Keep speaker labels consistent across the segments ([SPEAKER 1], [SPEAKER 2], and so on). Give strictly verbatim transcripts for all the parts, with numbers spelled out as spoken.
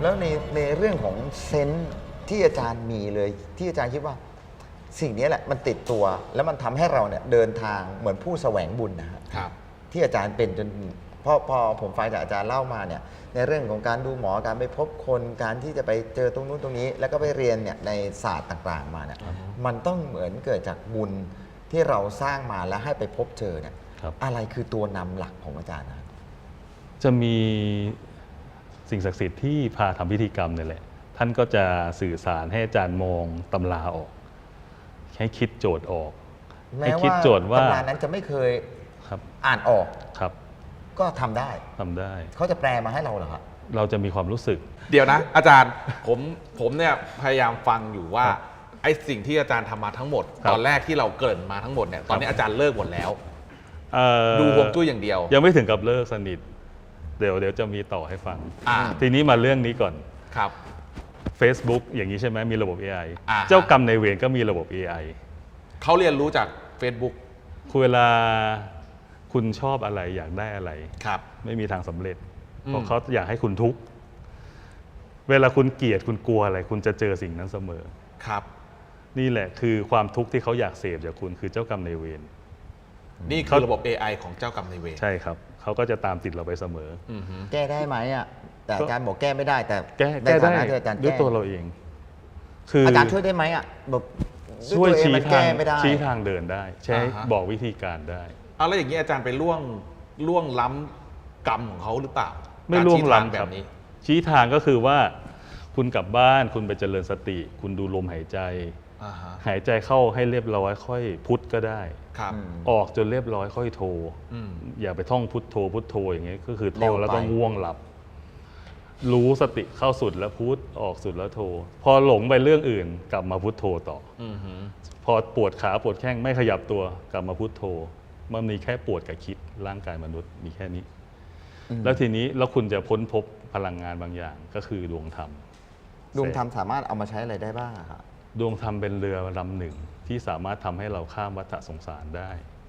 [SPEAKER 1] แล้วในในเรื่องของเซนส์ที่อาจารย์มีเลยที่อาจารย์คิดว่าสิ่งนี้แหละมันติดตัวแล้วมันทำให้เราเนี่ยเดินทางเหมือนผู้แสวงบุญนะครับที่อาจารย์เป็นจนพอพอผมฟังจากอาจารย์เล่ามาเนี่ยในเรื่องของการดูหมอการไปพบคนการที่จะไปเจอตรงนู้นตรงนี้ แล้วก็ไปเรียนเนี่ยในศาสตร์ต่างๆมาเนี่ยมันต้องเหมือนเกิดจากบุญที่เราสร้างมาแล้วให้ไปพบเจอเนี่ยอะไรคือตัวนำหลักของอาจารย์นะ
[SPEAKER 2] จะมีสิ่งศักดิ์สิทธิ์ที่พาทำพิธีกรรมนี่แหละท่านก็จะสื่อสารให้อาจารย์มองตำราออกให้คิดโจทย์ออกให้คิดโจทย์ว่า
[SPEAKER 1] ตำรานั้นจะไม่เคยอ่านออก
[SPEAKER 2] ครับ
[SPEAKER 1] ก็ทำได้
[SPEAKER 2] ทำได้
[SPEAKER 1] เขาจะแปลมาให้เราเหรอครับ
[SPEAKER 2] เราจะมีความรู้สึก
[SPEAKER 3] เดี๋ยวนะอาจารย์ผมผมเนี่ยพยายามฟังอยู่ว่าไอ้สิ่งที่อาจารย์ทำมาทั้งหมดตอนแรกที่เราเกริ่นมาทั้งหมดเนี่ยตอนนี้อาจารย์เลิกหมดแล้วดูฮวงจุ้ยอย่างเดียว
[SPEAKER 2] ยังไม่ถึงกับเลิกสนิทเดี๋ยวเดี๋ยวจะมีต่อให้ฟังทีนี้มาเรื่องนี้ก่อน
[SPEAKER 3] ครับ
[SPEAKER 2] Facebook อย่างนี้ใช่ไหมมีระบบ เอ ไอ เจ้ากรรมนายเวรก็มีระบบ เอ ไอ
[SPEAKER 3] เขาเรียนรู้จาก Facebook
[SPEAKER 2] คือเวลาคุณชอบอะไรอยากได้อะไร
[SPEAKER 3] ครับ
[SPEAKER 2] ไม่มีทางสำเร็จเพราะเขาอยากให้คุณทุกข์เวลาคุณเกลียดคุณกลัวอะไรคุณจะเจอสิ่งนั้นเสมอ
[SPEAKER 3] ครับ
[SPEAKER 2] นี่แหละคือความทุกข์ที่เขาอยากเสพจากคุณคือเจ้ากรรมนายเวร
[SPEAKER 3] นี่คือระบบ เอ ไอ ของเจ้ากรรมนายเวร
[SPEAKER 2] ใช่ครับเขาก็จะตามติดเราไปเสมอ
[SPEAKER 1] แก้ได้ไหมอ่ะแต่อาจารย์บอกแก้ไม่ได้แต่
[SPEAKER 2] แก้ได้ด้วยตัวเราเอง
[SPEAKER 1] คืออาจารย์ช่วยได้ไหมอ่ะแบบ
[SPEAKER 2] ช่วยชี้ทางชี้ทางเดินได้ใช้บอกวิธีการได้
[SPEAKER 3] เอาแล้วอย่างนี้อาจารย์ไปล่วงล่วงล้ำกรรมของเขาหรือเปล่า
[SPEAKER 2] ไม่ล่วงล้ำแบบนี้ชี้ทางก็คือว่าคุณกลับบ้านคุณไปเจริญสติคุณดูลมหายใจหายใจเข้าให้เรียบร้อยค่อยพุทก็ได้ออกจนเรียบร้อยค่อยโทอย่าไปท่องพุทโธพุทโธอย่างเงี้ยก็คือท่องแล้วก็ง่วงหลับรู้สติเข้าสุดแล้วพุทออกสุดแล้วโทพอหลงไปเรื่องอื่นกลับมาพุทโธต่อพอปวดขาปวดแข้งไม่ขยับตัวกลับมาพุทโธมันมีแค่ปวดกับคิดร่างกายมนุษย์มีแค่นี้แล้วทีนี้แล้วคุณจะพ้นพบพลังงานบางอย่างก็คือดวงธรรม
[SPEAKER 1] ดวงธรรมสามารถเอามาใช้อะไรได้บ้างครับ
[SPEAKER 2] ดวงธรรมเป็นเรือลำหนึ่งที่สามารถทำให้เราข้ามวัฏสงสารได้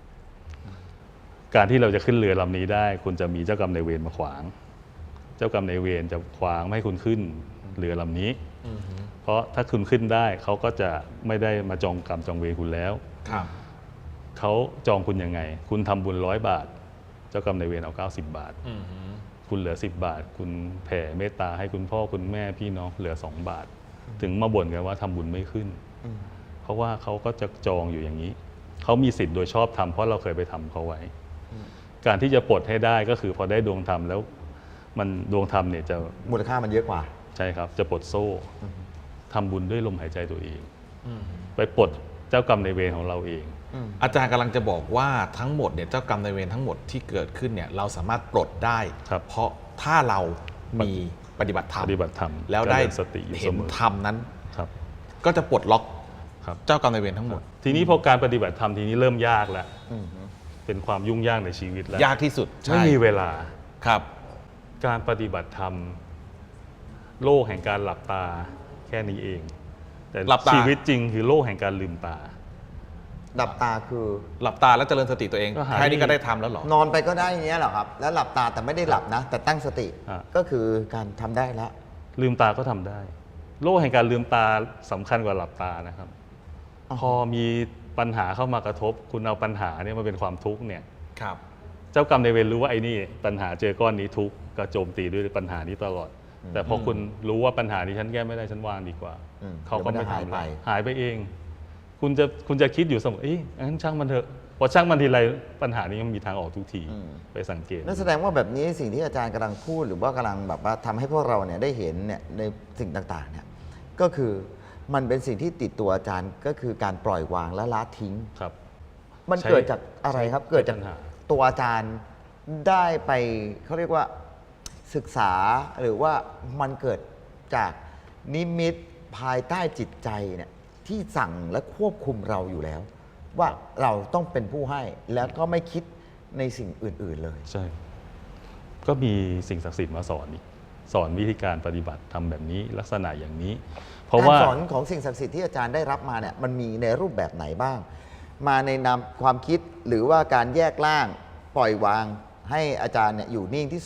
[SPEAKER 2] การที่เราจะขึ้นเรือลำนี้ได้คุณจะมีเจ้ากรรมนายเวรมาขวางเจ้ากรรมนายเวรจะขวางไม่ให้คุณขึ้นเรือลำนี้เพราะถ้าคุณขึ้นได้เขาก็จะไม่ได้มาจองกรรมจองเวรคุณแล้วเขาจองคุณยังไงคุณทำบุญร้อยบาทเจ้ากรรมนายเวรเอาเก้าสิบบาทคุณเหลือสิบบาทคุณแผ่เมตตาให้คุณพ่อคุณแม่พี่น้องเหลือสองบาทถึงมาบ่นกันว่าทำบุญไม่ขึ้นเพราะว่าเขาก็จะจองอยู่อย่างนี้เขามีสิทธิ์โดยชอบทำเพราะเราเคยไปทำเขาไว้การที่จะปลดให้ได้ก็คือพอได้ดวงธรรมแล้วมันดวงธรรมเนี่ยจะ
[SPEAKER 1] มูลค่ามันเยอะกว่า
[SPEAKER 2] ใช่ครับจะปลดโซ่ทำบุญด้วยลมหายใจตัวเองไปปลดเจ้ากรรมนายเวรของเราเอง
[SPEAKER 3] อาจารย์กำลังจะบอกว่าทั้งหมดเนี่ยเจ้ากรรมนายเวรทั้งหมดที่เกิดขึ้นเนี่ยเราสามารถปลดได้เพราะถ้าเรามีปฏิบัติธรรม
[SPEAKER 2] ปฏิบัติธรรม
[SPEAKER 3] แล้วได้
[SPEAKER 2] สติอยู่
[SPEAKER 3] เห็นธรรมนั้นก็จะปลดล็อกเจ้ากรรมนายเวรทั้งหมด
[SPEAKER 2] ทีนี้พอการปฏิบัติธรรมทีนี้เริ่มยากแล้วเป็นความยุ่งยากในชีวิตแล้ว
[SPEAKER 3] ยากที่สุด
[SPEAKER 2] ไม่มีเวลา
[SPEAKER 3] ครับ
[SPEAKER 2] การปฏิบัติธรรมโลกแห่งการหลับตาแค่นี้เองแต่ชีวิตจริงคือโลกแห่งการลืมตา
[SPEAKER 1] หลับตาคือ
[SPEAKER 3] หลับตาแล้วเจริญสติตัวเองแค่นี้ก็ได้ทำแล้วหรอน
[SPEAKER 1] อนไปก็ได้อย่างเงี้ยเหรอครับแล้วหลับตาแต่ไม่ได้หลับนะแต่ตั้งสติก็คือการทำได้แล้ว
[SPEAKER 2] ลืมตาก็ทำได้โลกแห่งการลืมตาสำคัญกว่าหลับตานะครับพอมีปัญหาเข้ามากระทบคุณเอาปัญหาเนี่ยมาเป็นความทุกข์เนี่ย
[SPEAKER 3] ครับ
[SPEAKER 2] เจ้ากรรมนายเวรรู้ว่าไอ้นี่ปัญหาเจอก้อนนี้ทุกข์ก็โจมตีด้วยปัญหานี้ตลอดแต่พอคุณรู้ว่าปัญหานี้ฉันแก้ไม่ได้ฉันวางดีกว่าเขาก็ไม่ทำอะไรหายไปเองคุณจะคุณจะคิดอยู่เสมอเอ๊ะงั้นช่างมันเถอะพอช่างมันทีไรปัญหานี้มันมีทางออกทุกทีไปสังเกต
[SPEAKER 1] นั่นแสดงว่าแบบนี้สิ่งที่อาจารย์กำลังพูดหรือว่ากำลังแบบว่าทำให้พวกเราเนี่ยได้เห็นเนี่ยในสิ่งต่างๆเนี่ยก็คือมันเป็นสิ่งที่ติดตัวอาจารย์ก็คือการปล่อยวางและละทิ้ง
[SPEAKER 2] ครับ
[SPEAKER 1] มันเกิดจากอะไรครับเกิดจากตัวอาจารย์ได้ไปเขาเรียกว่าศึกษาหรือว่ามันเกิดจากนิมิตภายใต้จิตใจเนี่ยที่สั่งและควบคุมเราอยู่แล้วว่าเราต้องเป็นผู้ให้แล้วก็ไม่คิดในสิ่งอื่นๆเลย
[SPEAKER 2] ใช่ก็มีสิ่งศักดิ์สิทธิ์มาสอนอีกสอนวิธีการปฏิบัติทำแบบนี้ลักษณะอย่างนี้
[SPEAKER 1] เพราะว่าการสอนของสิ่งศักดิ์สิทธิ์ที่อาจารย์ได้รับมาเนี่ยมันมีในรูปแบบไหนบ้างมาในนามความคิดหรือว่าการแยกล่างปล่อยวางให้อาจารย์เนี่ยอยู่นิ่งที่สุด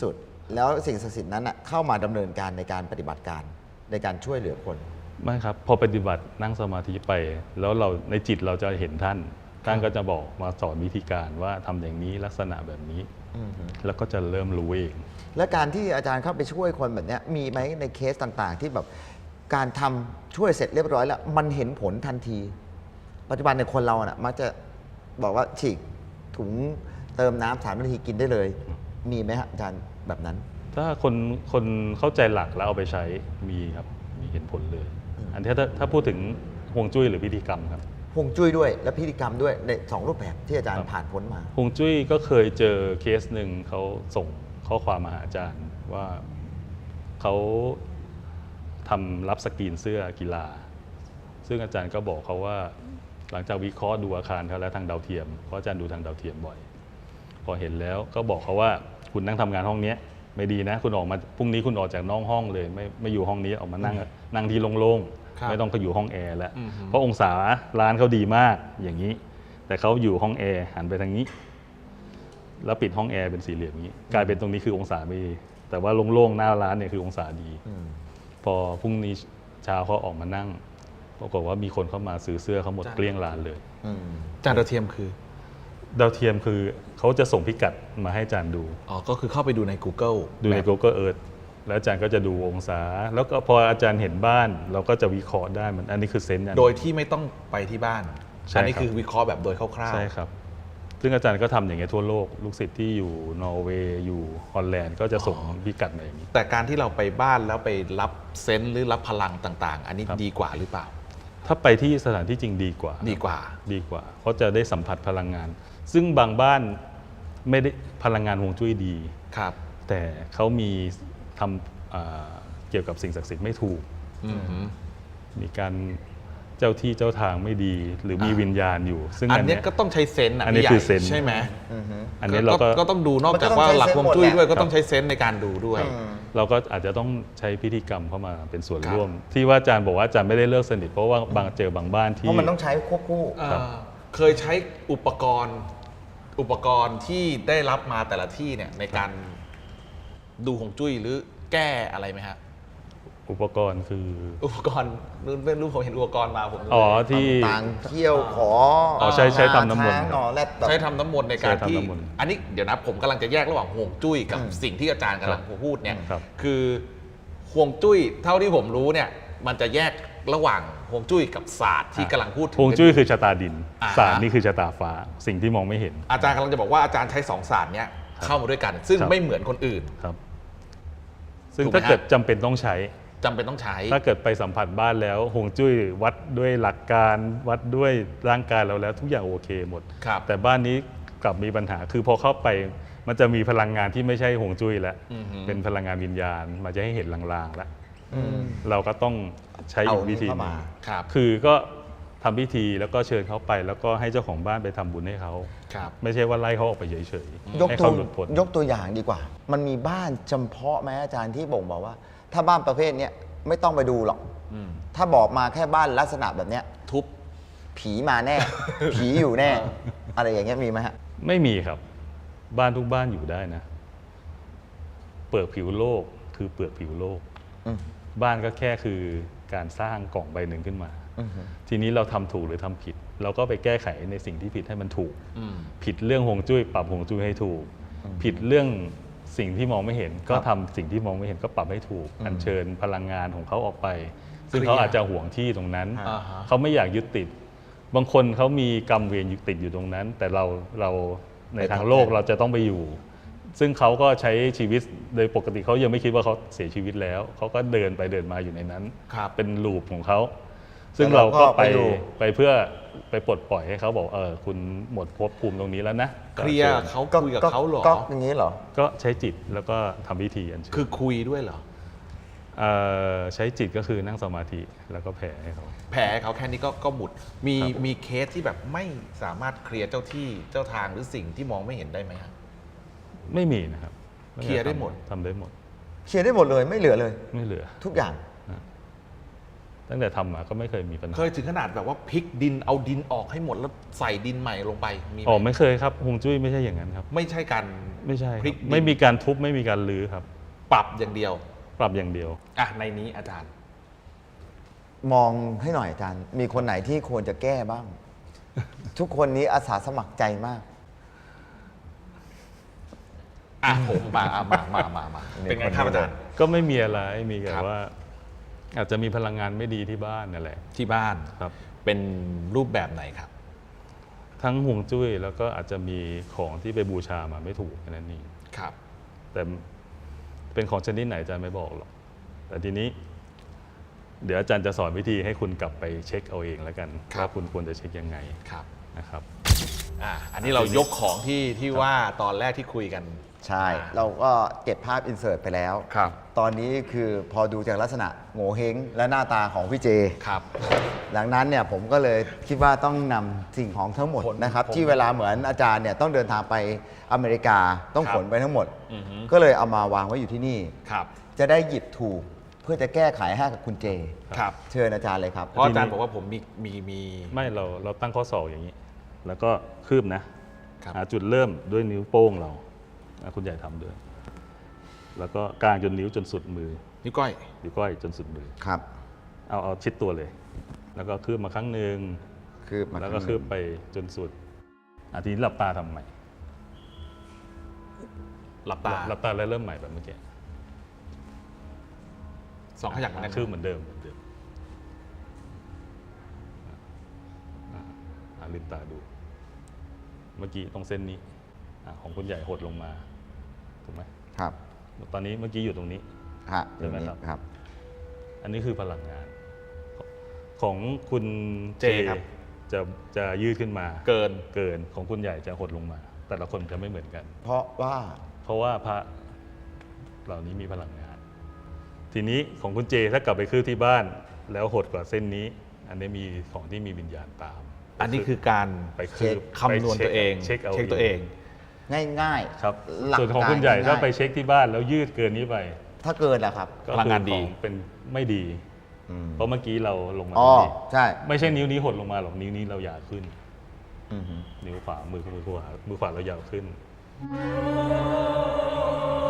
[SPEAKER 1] แล้วสิ่งศักดิ์สิทธิ์นั้นอะเข้ามาดำเนินการในการปฏิบัติการในการช่วยเหลือคน
[SPEAKER 2] ไม่ครับพอปฏิบัตินั่งสมาธิไป แล้วเราในจิตเราจะเห็นท่านท่านก็จะบอกมาสอนวิธีการว่าทำอย่างนี้ลักษณะแบบนี้
[SPEAKER 1] อือฮึ
[SPEAKER 2] แล้วก็จะเริ่มรู้เอง
[SPEAKER 1] และการที่อาจารย์เข้าไปช่วยคนแบบเนี้ยมีไหมในเคสต่างๆ ที่แบบการทำช่วยเสร็จเรียบร้อยแล้วมันเห็นผลทันที ปัจจุบันในคนเราน่ะมักจะบอกว่าฉีกถุงเติมน้ำสามนาทีกินได้เลย มีไหมฮะอาจารย์แบบนั้น
[SPEAKER 2] ถ้าคนคนเข้าใจหลักแล้วเอาไปใช้มีครับมีเห็นผลเลย อันที่ถ้าถ้าพูดถึงฮวงจุ้ยหรือพิธีกรรมครับ
[SPEAKER 1] ฮวงจุ้ยด้วยและพิธีกรรมด้วยในสองรูปแบบที่อาจาร
[SPEAKER 2] ครั
[SPEAKER 1] ย์
[SPEAKER 2] บ
[SPEAKER 1] ผ่านพ้นมา
[SPEAKER 2] ฮวงจุ้ยก็เคยเจอเคสหนึ่งเขาส่งข้อความมาหาอาจารย์ว่าเขาทำรับสกรีนเสื้อกีฬา ซึ่งอาจารย์ก็บอกเขาว่าหลังจากวิเคราะห์ดูอาคารเขาแล้วทางดาวเทียมเพราะอาจารย์ดูทางดาวเทียมบ่อย พอเห็นแล้วก็บอกเขาว่าคุณนั่งทำงานห้องนี้ไม่ดีนะ คุณออกมาพรุ่งนี้คุณออกจากนอกห้องเลย ไม่ไม่อยู่ห้องนี้ออกมานั่งนั่งที่โล่ง
[SPEAKER 3] ครับ
[SPEAKER 2] ๆไม่ต้องไปอยู่ห้องแอร์แล้ว
[SPEAKER 3] อือฮึ
[SPEAKER 2] เพราะองศาร้านเขาดีมากอย่างนี้ แต่เขาอยู่ห้องแอร์หันไปทางนี้ แล้วปิดห้องแอร์เป็นสี่เหลี่ยมอย่างนี้ กลายเป็นตรงนี้คือองศาไม่ดี แต่ว่าโล่งๆหน้าร้านเนี่ยคือองศาดี
[SPEAKER 1] อืม
[SPEAKER 2] พอพรุ่งนี้เช้าเขาออกมานั่งปรากฏว่ามีคนเข้ามาซื้อเสื้อเขาหมดเกลี้ยงร้านเลย
[SPEAKER 1] อืม
[SPEAKER 3] จานดาวเทียมคือ
[SPEAKER 2] ดาวเทียมคือเขาจะส่งพิกัดมาให้อาจารย์ดู
[SPEAKER 3] อ๋อก็คือเข้าไปดูใน Google
[SPEAKER 2] ดูใน Google Earth แล้วอาจารย์ก็จะดูองศา แล้วก็พออาจารย์เห็นบ้าน เราก็จะวิเคราะห์ได้มันอันนี้คือเซนส์อัน
[SPEAKER 3] โดยที่ไม่ต้องไปที่บ้าน
[SPEAKER 2] ใช่
[SPEAKER 3] อันนี้
[SPEAKER 2] ครับ
[SPEAKER 3] คือวิเคราะห์แบบโดยคร่าวๆ
[SPEAKER 2] ใช่ครับ ซึ่งอาจารย์ก็ทำอย่างเงี้ยทั่วโลก ลูกศิษย์ที่อยู่นอร์เวย์อยู่ฮอลแลนด์ก็จะส่งพิกัดมาอย่างนี้
[SPEAKER 3] แต่การที่เราไปบ้านแล้วไปรับเซนส์หรือรับพลังต่างๆ อันนี้
[SPEAKER 2] ครับ
[SPEAKER 3] ดีกว่าหรือเปล่า
[SPEAKER 2] ถ้าไปที่สถานที่จริงดีกว่า
[SPEAKER 3] ดีกว่า
[SPEAKER 2] ดีกว่า เพราะจะได้สัมผัสพลังงาน ซึ่งบางบ้านไม่ได้พลังงานฮวงจุ้ยดี
[SPEAKER 3] ครับ
[SPEAKER 2] แต่เขามีทำอ่าเกี่ยวกับสิ่งศักดิ์สิทธิ์ไม่ถูก
[SPEAKER 3] อือหือ
[SPEAKER 2] มีการเจ้าที่เจ้าทางไม่ดี หรือมี
[SPEAKER 3] อ่า
[SPEAKER 2] วิญญาณอยู่ ซึ่ง
[SPEAKER 3] อัน
[SPEAKER 2] อัน
[SPEAKER 3] เนี้
[SPEAKER 2] เนี้
[SPEAKER 3] ย
[SPEAKER 2] ย
[SPEAKER 3] ก็ต้องใช้เซนส์ะ
[SPEAKER 2] อันนี้
[SPEAKER 3] พี่ใหญ่
[SPEAKER 2] คือเซนส์
[SPEAKER 3] ใช่ไหม
[SPEAKER 1] อือฮึ
[SPEAKER 2] อันเนี้ยเราก็
[SPEAKER 3] ก็ต้องดูนอกจากว่าหลักฮวงจุ้ยด้วยก็ต้องใช้เซนส์ในการดูด้วย
[SPEAKER 1] อืม
[SPEAKER 2] เราก็อาจจะต้องใช้พิธีกรรมเข้ามาเป็นส่วน
[SPEAKER 3] ครับ
[SPEAKER 2] ร่วม ที่ว่าอาจารย์บอกว่าอาจารย์ไม่ได้เลิกสนิทเพราะว่าบางเจอบางบ้าน
[SPEAKER 1] เพ
[SPEAKER 2] ที่
[SPEAKER 1] ราะมันต้องใช้ควบคู่
[SPEAKER 2] ครับ
[SPEAKER 3] เอ่อเคยใช้อุปกรณ์อุปกรณ์ที่ได้รับมาแต่ละที่เนี่ยในการดูฮวงจุ้ยหรือแก้อะไรไหมฮะ
[SPEAKER 2] อุปกรณ์คือ
[SPEAKER 3] อุปกรณ์นู่นไม่รู้ผมเห็นอุปกรณ์มาผม
[SPEAKER 2] อ๋อที่
[SPEAKER 1] ต่างๆเที่ยวขอ
[SPEAKER 2] อ๋อใช้ใช้ทำน้ำมนต์
[SPEAKER 1] ช้างนอแรดแบบ
[SPEAKER 3] ใช้ทำน้ำมนต์ในการ
[SPEAKER 2] ใช้ทำ
[SPEAKER 3] ที่
[SPEAKER 2] น้ำมนต์
[SPEAKER 3] อันนี้เดี๋ยวนะผมกำลังจะแยกระหว่างฮวงจุ้ยกับ
[SPEAKER 1] อืม
[SPEAKER 3] สิ่งที่อาจารย์กำลังพูดเนี่ย
[SPEAKER 2] ครับ
[SPEAKER 3] คือฮวงจุ้ยเท่าที่ผมรู้เนี่ยมันจะแยกระหว่างฮวงจุ้ยกับศาสตร์ที่กำลังพูดถึง
[SPEAKER 2] ฮวงจุ้ยคือชะตาดิน
[SPEAKER 3] อ่าฮะ
[SPEAKER 2] ศาสตร์นี่คือชะตาฟ้า สิ่งที่มองไม่เห็น
[SPEAKER 3] อาจารย์กำลังจะบอกว่าอาจารย์ใช้สองศาสตร์เนี้ยเข้ามาด้วยกัน ซึ่ง
[SPEAKER 2] ครับ
[SPEAKER 3] ไม่เหมือนคนอื่น
[SPEAKER 2] ครับ ซึ่ง
[SPEAKER 3] ถูกไหม
[SPEAKER 2] ถ้าเกิด
[SPEAKER 3] ฮะ
[SPEAKER 2] จำเป็นต้องใช้
[SPEAKER 3] จำเป็นต้องใช้
[SPEAKER 2] ถ้าเกิดไปสัมผัสบ้านแล้วฮวงจุ้ยวัดด้วยหลักการวัดด้วยร่างกายเราแล้วทุกอย่างโอเคหมด
[SPEAKER 3] ครับ
[SPEAKER 2] แต่บ้านนี้กลับมีปัญหาคือพอเข้าไปมันจะมีพลังงานที่ไม่ใช่ฮวงจุ้ยแล้ว
[SPEAKER 3] อือหือ
[SPEAKER 2] เป็นพลังงานวิญญาณมันจะให้เห็นลางๆแล้ว
[SPEAKER 1] อืม
[SPEAKER 2] เราก็ต้องใช้อีกวิธีห
[SPEAKER 1] เอา
[SPEAKER 2] นึ่
[SPEAKER 1] เข้าง มา
[SPEAKER 3] ครับ
[SPEAKER 2] คือก็ทำพิธีแล้วก็เชิญเขาไป แล้วก็ให้เจ้าของบ้านไปทำบุญให้เขา
[SPEAKER 3] ครับ
[SPEAKER 2] ไม่ใช่ว่าไล่เขาออกไปเฉย
[SPEAKER 1] ยก
[SPEAKER 2] ๆให้
[SPEAKER 1] ตัว
[SPEAKER 2] เขาหลุดพ้น
[SPEAKER 1] ยกตัวอย่างดีกว่า มันมีบ้านจำเพาะไหมอาจารย์ที่บ่งบอกว่า ถ้าบ้านประเภทเนี้ยไม่ต้องไปดูหรอก
[SPEAKER 3] อืม
[SPEAKER 1] ถ้าบอกมาแค่บ้านลักษณะแบบเนี้ย
[SPEAKER 3] ทุบ
[SPEAKER 1] ผีมาแน่ ผีอยู่แน่ อะไรอย่างเงี้ยมีไหมฮะ
[SPEAKER 2] ไม่มีครับ บ้านทุกบ้านอยู่ได้นะ เปลือกผิวโลกคือเปลือกผิวโลก
[SPEAKER 1] อืม
[SPEAKER 2] บ้านก็แค่คือการสร้างกล่องใบหนึ่งขึ้นมา
[SPEAKER 1] อือฮึ
[SPEAKER 2] ทีนี้เราทำถูกหรือทำผิด เราก็ไปแก้ไขในสิ่งที่ผิดให้มันถูก
[SPEAKER 3] อืม
[SPEAKER 2] ผิดเรื่องฮวงจุ้ยปรับฮวงจุ้ยให้ถูก ผิดเรื่องสิ่งที่มองไม่เห็น ก็ทำสิ่งที่มองไม่เห็นก็ปรับให้ถูก อัญเชิญพลังงานของเขาออกไป ซึ่งเขาอาจจะห่วงที่ตรงนั้น
[SPEAKER 3] อ่าฮะ
[SPEAKER 2] เขาไม่อยากยึดติด บางคนเขามีกรรมเวรยึดติดอยู่ตรงนั้น แต่เราเราในทางโลกเราจะต้องไปอยู่ ซึ่งเขาก็ใช้ชีวิตโดยปกติเขายังไม่คิดว่าเขาเสียชีวิตแล้ว เขาก็เดินไปเดินมาอยู่ในนั้น
[SPEAKER 3] ครับ
[SPEAKER 2] เป็นลูปของเขา ซึ่ง
[SPEAKER 1] แต่
[SPEAKER 2] เรา
[SPEAKER 1] เราก็
[SPEAKER 2] ก็ไป
[SPEAKER 1] ไปดู
[SPEAKER 2] ไปเพื่อไปปลดปล่อยให้เขาบอกเออคุณหมดภพภูมิตรงนี้แล้วนะ
[SPEAKER 3] เคลียร์
[SPEAKER 2] ก็ชิญ
[SPEAKER 3] เขาคุยกับเขาเหรอ
[SPEAKER 1] ก็อย่างนี้เหรอ
[SPEAKER 2] ก็ใช้จิตแล้วก็ทำพิธีอัญเชิญ
[SPEAKER 3] คือคุยด้วยเหรอ
[SPEAKER 2] เอ่อใช้จิตก็คือนั่งสมาธิแล้วก็แผ่ให้เขา
[SPEAKER 3] แผลเขาแค่นี้ก็ก็หมุด มี
[SPEAKER 2] ครับ
[SPEAKER 3] มีเคสที่แบบไม่สามารถเคลียร์เจ้าที่เจ้าทางหรือสิ่งที่มองไม่เห็นได้ไหมครับ
[SPEAKER 2] ไม่มีนะครับ
[SPEAKER 3] เคลียร์ได้หมด
[SPEAKER 2] ทำได้หมด
[SPEAKER 1] เคลียร์ได้หมดเลยไม่เหลือเลย
[SPEAKER 2] ไม่เหลือ
[SPEAKER 1] ทุกอย่าง
[SPEAKER 2] ตั้งแต่ทำมาก็ไม่เคยมีปัญหา
[SPEAKER 3] เคยถึงขนาดแบบว่าพลิกดินเอาดินออกให้หมดแล้วใส่ดินใหม่ลงไปมีไหม
[SPEAKER 2] อ๋อไม่เคยครับฮวงจุ้ยไม่ใช่อย่างนั้นครับ
[SPEAKER 3] ไม่ใช่การ
[SPEAKER 2] ไม่ใช่ครับ
[SPEAKER 3] พลิกดิน
[SPEAKER 2] ไม่มีการทุบไม่มีการรื้อครับ
[SPEAKER 3] ปรับอย่างเดียว
[SPEAKER 2] ปรับอย่างเดียว
[SPEAKER 3] อ่ะในนี้อาจารย์
[SPEAKER 1] มองให้หน่อยอาจารย์ มีคนไหนที่ควรจะแก้บ้าง ทุกคนนี้อาสาสมัครใจมาก
[SPEAKER 3] อ่ะผมมาอ่ะมามามามาเป็นไงครับอาจารย์
[SPEAKER 2] ก็ไม่มีอะไรมีแต่
[SPEAKER 3] ครับ
[SPEAKER 2] ว่า อาจจะมีพลังงานไม่ดีที่บ้านนั่นแหละ
[SPEAKER 3] ที่บ้าน
[SPEAKER 2] ครับ
[SPEAKER 3] เป็นรูปแบบไหนครับ
[SPEAKER 2] ทั้งห่วงจุ้ยแล้วก็อาจจะมีของที่ไปบูชามาไม่ถูกแค่นั้นเอง
[SPEAKER 3] ครับ
[SPEAKER 2] แต่เป็นของชนิดไหนอาจารย์ไม่บอกหรอกแต่ทีนี้ เดี๋ยวอาจารย์จะสอนวิธีให้คุณกลับไปเช็คเอาเองแล้วกัน
[SPEAKER 3] ครับ
[SPEAKER 2] ว่าคุณควรจะเช็คยังไง
[SPEAKER 3] ครับ
[SPEAKER 2] นะครับ
[SPEAKER 3] อ่ะอันนี้เรายกของที่ที่ว่าตอนแรกที่คุยกัน
[SPEAKER 1] ใช่ เราก็เก็บภาพอินเสิร์ตไปแล้ว
[SPEAKER 3] ครับ
[SPEAKER 1] ตอนนี้คือพอดูจากลักษณะโง่เฮงและหน้าตาของพี่เจ
[SPEAKER 3] ครับ
[SPEAKER 1] ดังนั้นเนี่ยผมก็เลยคิดว่าต้องนำสิ่งของทั้งหมด
[SPEAKER 3] ขน
[SPEAKER 1] นะครับ
[SPEAKER 3] ขน
[SPEAKER 1] ที่เวลาเหมือนอาจารย์เนี่ยต้องเดินทางไปอเมริกาต้อง
[SPEAKER 3] ครับ
[SPEAKER 1] ขนไปทั้งหมด
[SPEAKER 3] อือฮึ
[SPEAKER 1] ก็เลยเอามาวางไว้อยู่ที่นี่
[SPEAKER 3] ครับ
[SPEAKER 1] จะได้หยิบถูกเพื่อจะแก้ไขให้กับคุณเจ
[SPEAKER 3] ครับ
[SPEAKER 1] เชิญอาจารย์เลยครับ
[SPEAKER 3] เพราะอาจารย์บอกว่าผมมีมีมี
[SPEAKER 2] ไม่เราเราตั้งข้อศอกอย่างนี้ แล้วก็คืบนะครับ หาจุดเริ่มด้วยนิ้วโป้งเราอ่ะคุณใหญ่ทำด้วย แล้วก็กลางจนนิ้วจนสุดมือ
[SPEAKER 3] นิ้วก้อย
[SPEAKER 2] นิ้วก้อยจนสุดมือ
[SPEAKER 1] ครับ
[SPEAKER 2] เอาเอาชิดตัวเลย แล้วก็คืบมาครั้งหนึ่ง
[SPEAKER 1] คืบมา
[SPEAKER 2] แล้วก็
[SPEAKER 1] ข้างห
[SPEAKER 2] คื
[SPEAKER 1] นึ่
[SPEAKER 2] บ
[SPEAKER 1] ง
[SPEAKER 2] ไปจนสุดอาทีนี้หลับตาทำใหม่
[SPEAKER 3] หลับตา
[SPEAKER 2] หลับตาแล้วเริ่มใหม่แบบเมื่อกี้
[SPEAKER 3] สองขยักเหมือนกัน
[SPEAKER 2] คืบเหมือนเดิมเหมือนเดิมอ่ะอ่ะลืมตาดู เมื่อกี้ตรงเส้นนี้อ่ะของคุณใหญ่หดลงมาถูกไหม
[SPEAKER 1] ครับ
[SPEAKER 2] ตอนนี้เมื่อกี้อยู่ตรงนี้
[SPEAKER 1] ฮะ
[SPEAKER 2] เห็นไหมครับ
[SPEAKER 1] ครับ
[SPEAKER 2] อันนี้คือพลังงาน ของคุณ
[SPEAKER 3] เจครับ
[SPEAKER 2] จะจะยืดขึ้นมา
[SPEAKER 3] เกิน
[SPEAKER 2] เกินของคุณใหญ่จะหดลงมา แต่ละคนจะไม่เหมือนกัน
[SPEAKER 1] เพราะว่า
[SPEAKER 2] เพราะว่าพระเหล่านี้มีพลังงาน ทีนี้ของคุณเจถ้ากลับไปคืบที่บ้าน แล้วหดกว่าเส้นนี้ อันนี้มีของที่มีวิญญาณตาม
[SPEAKER 3] อันนี้คือการ
[SPEAKER 2] ไปคืบ
[SPEAKER 3] คำนวณตัวเอง
[SPEAKER 2] เช็คเอา
[SPEAKER 3] เช็คตัวเอง
[SPEAKER 1] ง่ายๆ
[SPEAKER 2] ครับ
[SPEAKER 1] หลัก
[SPEAKER 2] ส่วนของ
[SPEAKER 1] การ
[SPEAKER 2] คุณใหญ่
[SPEAKER 1] ง่ายๆ
[SPEAKER 2] ถ้าไปเช็คที่บ้านแล้วยืดเกินนี้ไป
[SPEAKER 1] ถ้าเกินล่ะครับ
[SPEAKER 2] ก็
[SPEAKER 3] พลังงานดี
[SPEAKER 2] คือของเป็นไม่ดี
[SPEAKER 1] อืม
[SPEAKER 2] เพราะเมื่อกี้เราลงมา
[SPEAKER 1] อ๋อ
[SPEAKER 2] ตรงนี้
[SPEAKER 1] ใช่
[SPEAKER 2] ไม่ใช่นิ้วนี้หดลงมาหรอกนิ้วนี้เราหยาบขึ้น
[SPEAKER 1] อือฮึ
[SPEAKER 2] นิ้วขวามือมือขวามือขวาเรายาวขึ้น